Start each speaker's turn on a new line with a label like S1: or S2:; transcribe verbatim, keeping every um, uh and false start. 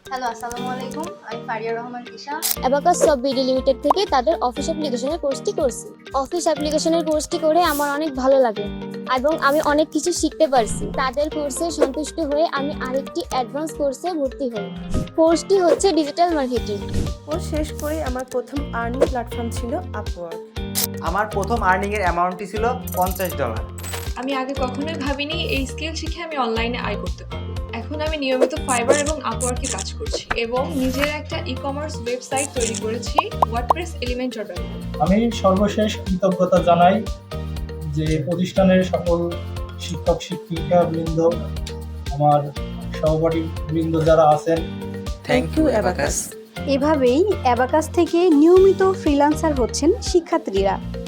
S1: Hello, আসসালামু আলাইকুম। আমি Faria Rahman Isha.
S2: Abacus Soft BD Limited থেকে তাদের অফিস অ্যাপ্লিকেশনের কোর্সটি করছি। অফিস অ্যাপ্লিকেশনের কোর্সটি করে আমার অনেক ভালো লাগে এবং আমি অনেক কিছু শিখতে পারছি। তাদের কোর্সে সন্তুষ্ট হয়ে আমি আরেকটি অ্যাডভান্স কোর্সে ভর্তি হই। কোর্সটি হচ্ছে ডিজিটাল মার্কেটিং।
S3: কোর্স শেষ করে আমার প্রথম আর্নিং প্ল্যাটফর্ম ছিল আপওয়ার্ক।
S4: আমার প্রথম আর্নিং এর অ্যামাউন্টটি ছিল পঞ্চাশ ডলার।
S5: আমি আগে কখনোই ভাবিনি এই স্কিল শিখে আমি অনলাইনে আয় করতে পারবো। এখন আমি নিয়মিত ফাইবার এবং আপওয়ার্কে কাজ করছি এবং নিজের একটা ই কমার্স ওয়েবসাইট তৈরি করেছি ওয়ার্ডপ্রেস এলিমেন্ট ডট কম।
S6: আমি সর্বশেষ কৃতজ্ঞতা জানাই যে প্রতিষ্ঠানের সকল শিক্ষক শিক্ষিকা বৃন্দ, আমার সহপাঠী বৃন্দ যারা আছেন।
S4: Thank you Abacus.
S7: এভাবেই অ্যাবাকাস থেকে নিয়মিত ফ্রিল্যান্সার হচ্ছেন শিক্ষার্থীরা।